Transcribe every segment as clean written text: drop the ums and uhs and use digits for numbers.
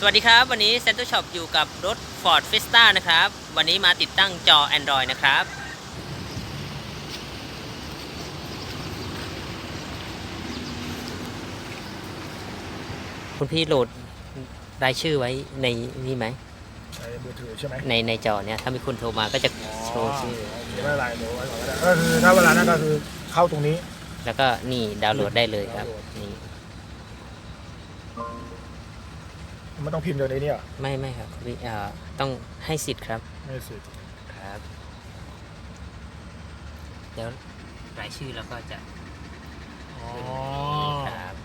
วัสดีครับวันนี้ Center Shop อยู่กับรถ Ford Fiesta นะครับวันนี้มาติดตั้งจอ Android นะครับคุณพี่โหลดรายชื่อไว้ในนี่ไหมในมือถือใช่ไหมในจอเนี่ยถ้ามีคนโทรมาก็จะโชว์ชื่อไม่เป็นไรเดี๋ยวไว้ก่อนก็ได้ก็คือถ้าเวลานั้นก็คือเข้าตรงนี้แล้วก็นี่ดาวน์โหลดได้เลยครับนี่ไม่ต้องพิมพ์เดี๋ยวนี้เนี่ยไม่ครับพี่ต้องให้สิทธิ์ครับให้สิทธิ์ครับเดี๋ยวรายชื่อแล้วก็จะครับ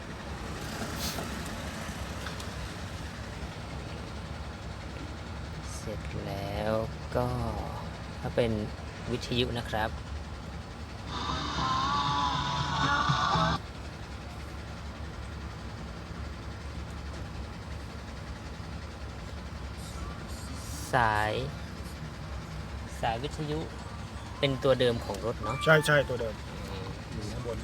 เสร็จแล้วก็ถ้าเป็นวิทยุนะครับสายวิทยุเป็นตัวเดิมของรถเนาะใช่ตัวเดิมอยู่ข้างบน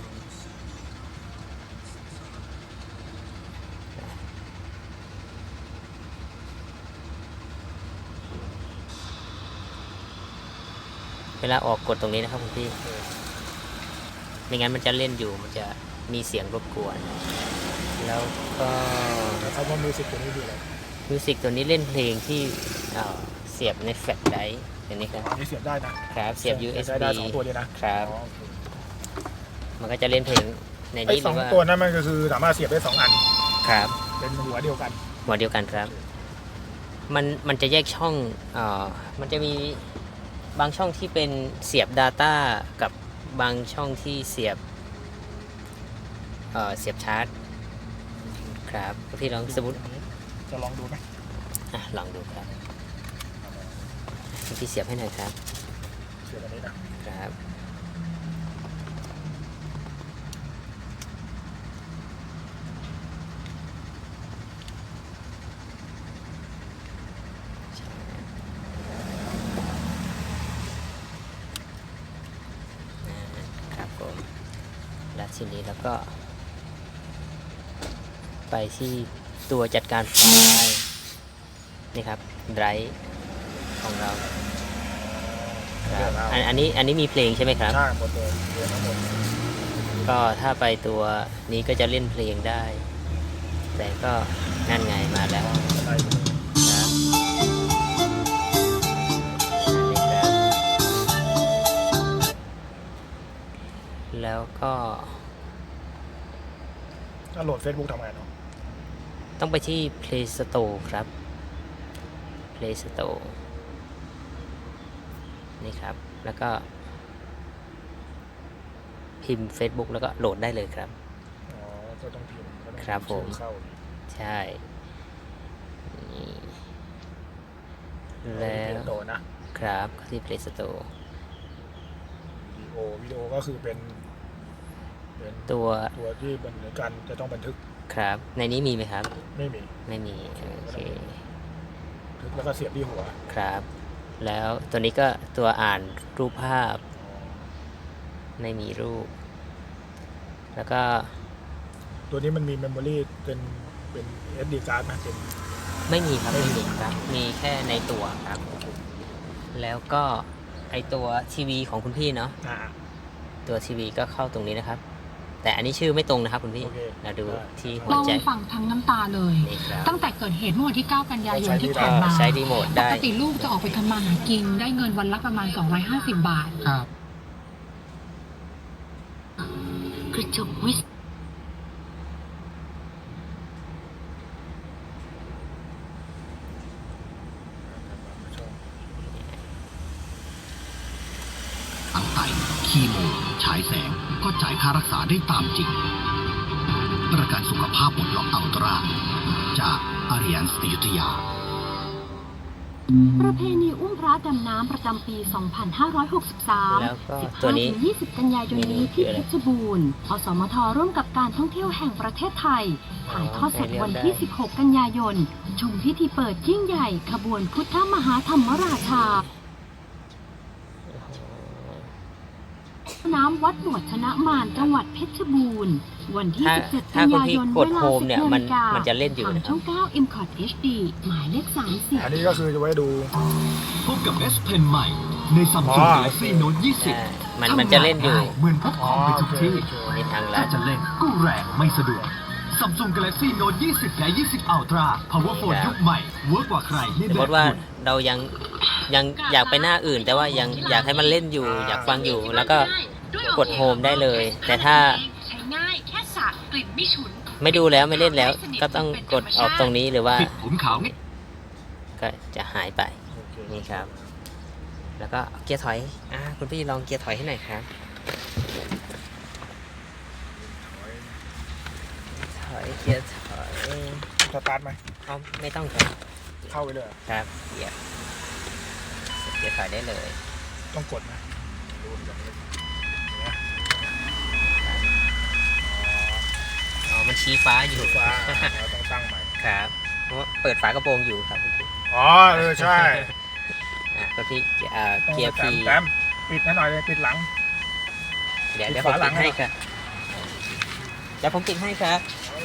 เวลาออกกดตรงนี้นะครับคุณพี่ไม่งั้นมันจะเล่นอยู่มันจะมีเสียงรบกวนแล้วก็คำว่ามิวสิกตัวนี้คืออะไรมิวสิกตัวนี้เล่นเพลงที่เสียบในแฟลชไดรฟ์อย่างนี้ครับนี่เสียบได้นะครับเสียบ USB ได้2ตัวเลยนะครับมันก็จะเล่นเพลงในนี้หรือว่า 2ตัวนั้นมันก็คือสามารถเสียบได้2อันครับเป็นหัวเดียวกันครับมันจะแยกช่องมันจะมีบางช่องที่เป็นเสียบ Data กับบางช่องที่เสียบชาร์จครับพี่ลองสมมุติจะลองดูไหมลองดูครับพี่เสียบให้หน่อยครับเสียบอันนี้นะครับครับผมแล้วทีนี้แล้วก็ไปที่ตัวจัดการไฟล์นี่ครับไดรฟ์ของเราครับอันนี้มีเพลงใช่ไหมครับใช่หมดเลยเรียนทั้งหมดก็ถ้าไปตัวนี้ก็จะเล่นเพลงได้แต่ก็นั่นไงมาแล้วครับแล้วก็ถ้าโหลด Facebook ทำไงเนาะต้องไปที่ Play Store ครับ Play Store นี่ครับแล้วก็พิมพ์ Facebook แล้วก็โหลดได้เลยครับก็ต้องพิมพ์ครับผมใช่แล้วครับที่ Play Store วิดีโอก็คือเป็นตัวที่เหมือนกันจะต้องบันทึกครับในนี้มีไหมครับไม่มีโอเคทึกแล้วก็เสียบที่หัวครับแล้วตัวนี้ก็ตัวอ่านรูปภาพไม่มีรูปแล้วก็ตัวนี้มันมีเมมโมรี่เป็นSD card นะเป็นไม่มีครับมีแค่ในตัวครับแล้วก็ไอตัวทีวีของคุณพี่เนาะตัวทีวีก็เข้าตรงนี้นะครับแต่อันนี้ชื่อไม่ตรงนะครับคุณพี่เราดูที่หัวใจเราฟังทั้งน้ำตาเลยตั้งแต่เกิดเหตุเมื่อวันที่ 9 กันยายนที่ผ่านมาใช้รีโมทได้ปกติลูกจะออกไปทำมาหากินได้เงินวันละประมาณ250 บาทครับกระจกวิสตั้งไตคีโมฉายแสงก็จ่ายค่ารักษาได้ตามจริงประกันสุขภาพบนล็อกอัลตร้าจากอาริยันสติยุทยาประเพณีอุ้มพระดำน้ำประจำปี 2563 15-20 กันยายนนี้ที่เพชรบูรณ์อสมทร่วมกับการท่องเที่ยวแห่งประเทศไทยถ่ายทอดสดวันที่ 16 กันยายนชมพิธีเปิดยิ่งใหญ่ขบวนพุทธมหาธรรมราชาน้ำวัดหนวดชนะมารจังหวัดเพชรบูรณ์วันที่ 17 ถ้ากันคุณยาพี่ยนกเวดลาโฮมเนี่ย 10 มันนาฬิกามันจะเล่นอยู่ทางนะคช่รัอบ ง 9 m c o t HD หมายเลขอันนี้ก็คือจะไว้ดูพบกับ S Pen ใหม่ใน Samsung Galaxy Note มันจะเล่นอยู่เหมือนพกของไปทุกที่ในทางลัถ้าดจะเล่นก็แรงไม่สะดวก Samsung Galaxy Note 20 และ 20 Ultra Power Phone ยุคใหม่เวิร์กกว่าใครในสมแบมบติว่าคุณเรายังอยากไปหน้าอื่น แต่ว่ายังอยากให้มันเล่นอยู่ อยากฟังอยู่ แล้วก็กดโฮมได้เลย แต่ถ้าใช้ง่ายแค่สระกลิ่นไม่ฉุนไม่ดูแล้วไม่เล่นแล้ว ก็ต้องกดออกตรงนี้หรือว่าปิดผมขาวงี้ก็จะหายไปโอเคนี่ครับ แล้วก็เกียร์ถอยคุณพี่ลองเกียร์ถอยให้หน่อยครับ ถอยเกียร์ถอยสตาร์ทไหมเอาไม่ต้องครับเข้าไปเลยเหรอครับเกียร์ถอยได้เลยต้องกดนะดูอย่างนี้เนี่ยมันชี้ฟ้าอยู่ฟ้าเราต้องตั้งใหม่ครับเพราะว่าเปิดฝากระโปรงอยู่ครับคุณพี่อ๋อใช่คุณพี่เกีต้องยร์พีแต้มปิดให้หน่อยเลยปิดหลังเดี๋ยวปิดผมฝาหลัปิงดให้ให้ครับเดี๋ยวผมปิดให้ครับ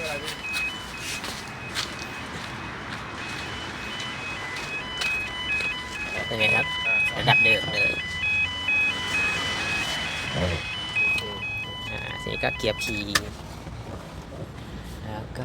เป็นไงครับ ระดับเดิมเลยทีนี้ก็เกียร์ P แล้วก็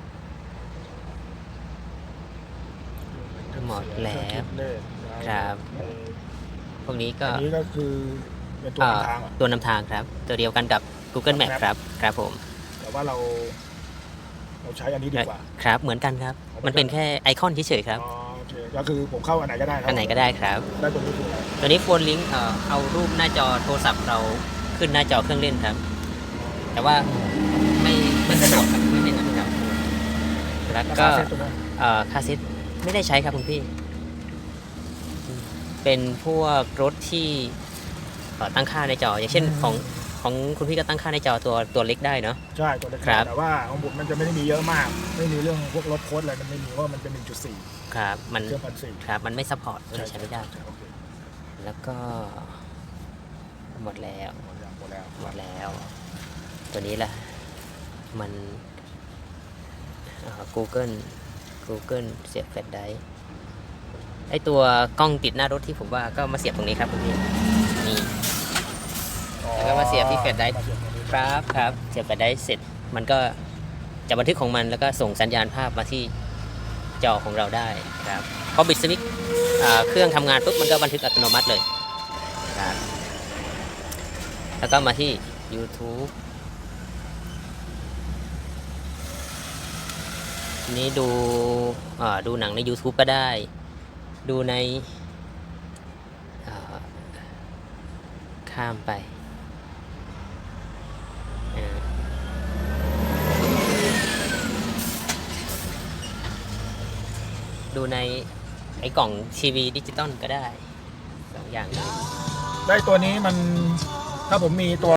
หมดแล้วครับ พวกนี้ก็อันนี้ก็คือเป็นตัวนำทางเหรอตัวนำทางครับ ตัวเดียวกันกับ Google Map ครับ ครับผมแต่ว่าเราใช้อันนี้ดีกว่าครับ เหมือนกันครับ มันเป็นแค่ไอคอนเฉยๆครับอ๋อโอเคก็คือผมเข้าอันไหนก็ได้อันไหนก็ได้ครับได้ตัวนี้คืออะไรตัวนี้โฟนลิงก์เอารูปหน้าจอโทรศัพท์เราขึ้นหน้าจอเครื่องเล่นครับ แต่ว่าไม่สะดวกครับไม่เป็นนะครับ แล้วก็ราคาเซ็ตตัวนั้นคาซิตไม่ได้ใช้ครับคุณพี่ เป็นพวกรถที่ตั้งค่าในจอ อย่างเช่นของคุณพี่ก็ตั้งค่าในจอตัวเล็กได้เนาะใช่ตัวเล็กครับแต่ว่าของผมมันจะไม่ได้มีเยอะมาก ไม่มีเรื่องพวกลบโค้ดอะไรมันไม่มีเพราะว่ามันเป็น 1.4 ครับมันเครื่อง1.4 ครับมันไม่ซัพพอร์ตใช้ไม่ได้โอเคแล้วก็หมดแล้วหมดแล้วหมดแล้ว ตัวนี้แหละมันGoogle เสียบแฟลชไดรฟ์ไอตัวกล้องติดหน้ารถที่ผมว่าก็มาเสียบตรงนี้ครับคุณพี่นี่ แล้วก็มาเสียบที่แฟลชไดรฟ์มาเสียบตรงนี้ครับเสียบแฟลชไดรฟ์เสร็จมันก็จะบันทึกของมันแล้วก็ส่งสัญญาณภาพมาที่จอของเราได้ครับพอบิดสวิตช์เครื่องทำงานปุ๊บมันก็บันทึกอัตโนมัติเลยครับแล้วก็มาที่ YouTube ทีนี้ดูหนังใน YouTube ก็ได้ ดูในข้ามไปดูในไอ้กล่องทีวีดิจิตอลก็ได้2 อย่างเลยได้ตัวนี้มันถ้าผมมีตัว